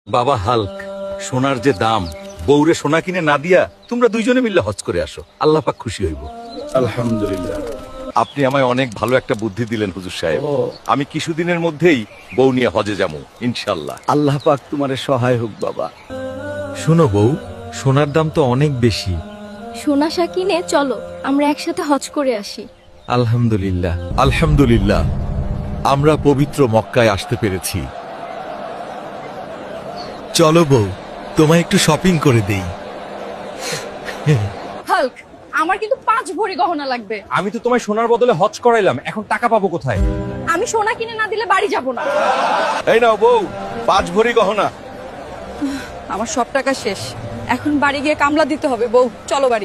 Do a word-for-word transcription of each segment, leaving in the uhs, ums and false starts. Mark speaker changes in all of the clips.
Speaker 1: বাবা হাল্ক, সোনার যে দাম, বউরে সোনা কিনে না দিয়া তোমরা দুইজনে মিললে হজ করে আসো, আল্লাহ পাক খুশি হইব।
Speaker 2: আলহামদুলিল্লাহ।
Speaker 1: আপনি আমায় অনেক ভালো একটা বুদ্ধি দিলেন হুজুর সাহেব। আমি কিছুদিনের মধ্যেই বউ নিয়ে হজে যাবো ইনশাল্লাহ।
Speaker 2: আল্লাহ পাক তোমার সহায় হোক বাবা।
Speaker 3: শোনো বউ, সোনার দাম তো অনেক বেশি।
Speaker 4: সোনা কিনে চলো আমরা একসাথে হজ করে আসি।
Speaker 3: আলহামদুলিল্লাহ।
Speaker 5: আলহামদুলিল্লাহ, আমরা পবিত্র মক্কায় আসতে পেরেছি। চলো বউ, তোমায় একটু শপিং করে দেই।
Speaker 4: হাল্ক, আমার কিন্তু পাঁচ ভরি গহনা লাগবে।
Speaker 3: আমি তো তোমায় সোনার বদলে হজ করাইলাম, এখন টাকা পাবো কোথায়?
Speaker 4: আমি সোনা কিনে না দিলে বাড়ি যাব না।
Speaker 1: এই নাও বউ, পাঁচ ভরি গহনা।
Speaker 4: আমার সব টাকা শেষ, এখন বাড়ি গিয়ে কামলা দিতে হবে। বউ চলো বাড়ি।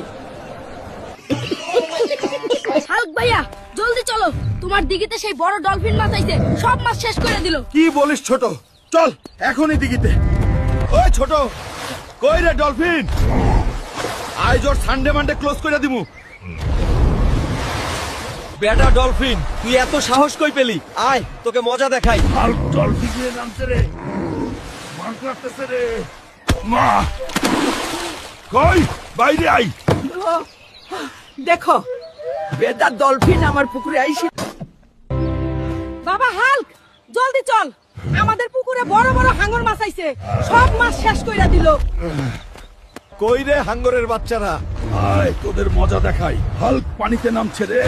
Speaker 4: হাল্ক ভাইয়া জলদি চলো, তোমার দিঘিতে সেই বড় ডলফিন মাছ আইছে, সব মাছ শেষ করে দিল।
Speaker 1: কি বলিস ছোট? চল এখনই দিঘিতে। ওই ছোট, কই রে ডলফিন? আজ ওর সানডে মানডে ক্লোজ করে দিমু।
Speaker 3: বেটা ডলফিন, তুই এত সাহস কই পেলি? আয় তোকে মজা দেখাই।
Speaker 2: হাল্ক ডলফিনের নামছে রে, মার করতেছে রে। মা কই বাইরে আই। দেখো বেটা ডলফিন আমার পুকুরে আইছে।
Speaker 4: বাবা হাল্ক, জলদি চল, আমাদের পুকুরে বড় বড় হাঙ্গর মাছ আইছে, সব মাছ শেষ কইরা দিল।
Speaker 5: কই রে হাঙ্গরের বাচ্চারা?
Speaker 2: আয় তোদের মজা দেখাই। হাল্ক পানিতে নামছে রে।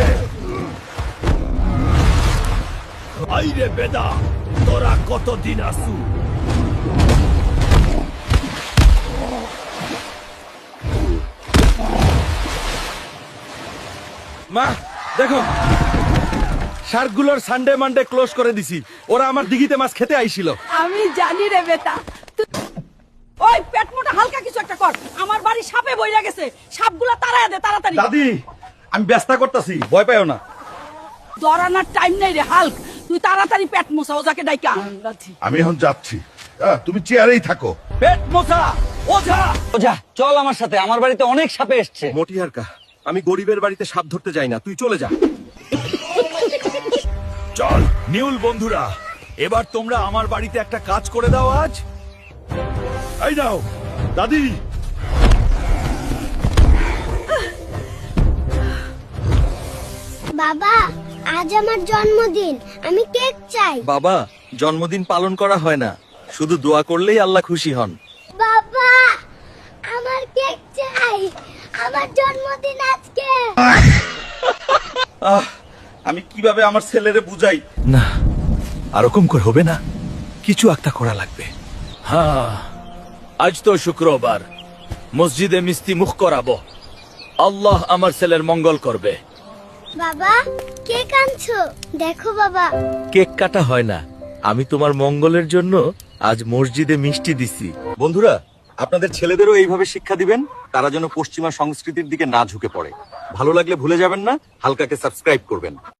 Speaker 2: আইরে বেদা, তোরা কতদিন আসু?
Speaker 1: মা দেখো, শার্কগুলোর সানডে মানডে ক্লোজ করে দিছি। ওরা আমার দিঘিতে মাছ খেতে আইছিল।
Speaker 4: আমি জানি রে বেটা। তু- ওই পেট মোটা হালকা কিছু একটা কর, আমার বাড়ি সাপে বইরা গেছে, সাপগুলা তাড়ায় দে তাড়াতাড়ি।
Speaker 1: দাদি, আমি ব্যস্ত করতেছি, ভয় পাইও না।
Speaker 4: দরানার টাইম নাই রে হাল্ক, তুই তাড়াতাড়ি পেট মোছা ওজাকে ডাইকা।
Speaker 2: আমি এখন যাচ্ছি, আহ, তুমি চেয়ারেই থাকো।
Speaker 3: পেট মোছা ওঝা। ওঝা চল আমার সাথে, আমার বাড়িতে অনেক সাপে এসছে।
Speaker 1: মটিহারকা, আমি গরিবের বাড়িতে সাপ ধরতে যাই না, তুই চলে যা।
Speaker 2: চল নিউল বন্ধুরা, এবার তোমরা আমার বাড়িতে একটা কাজ করে দাও আজ। এই নাও দাদি।
Speaker 6: বাবা, আজ আমার জন্মদিন, আমি কেক চাই।
Speaker 1: বাবা, জন্মদিন পালন করা হয় না, শুধু দোয়া করলেই আল্লাহ খুশি হন।
Speaker 6: বাবা, আমার কেক চাই, আমার জন্মদিন আজকে।
Speaker 1: আহ, আমি কিভাবে আমার ছেলেরে বুঝাই?
Speaker 5: না, আরকম করে হবে না, কিছু একটা করা লাগবে।
Speaker 2: হ্যাঁ, আজ তো শুক্রবার, মসজিদে মিষ্টি মুখ করাবো। আল্লাহ আমার ছেলের মঙ্গল করবে।
Speaker 6: বাবা, কেক আনছো? দেখো বাবা।
Speaker 5: কেক কাটা হয় না, আমি তোমার মঙ্গলের জন্য আজ মসজিদে মিষ্টি দিছি।
Speaker 1: বন্ধুরা, আপনাদের ছেলেদেরও এইভাবে শিক্ষা দিবেন, তারা যেন পশ্চিমা সংস্কৃতির দিকে না ঝুঁকে পড়ে। ভালো লাগলে ভুলে যাবেন না হালকাকে সাবস্ক্রাইব করবেন।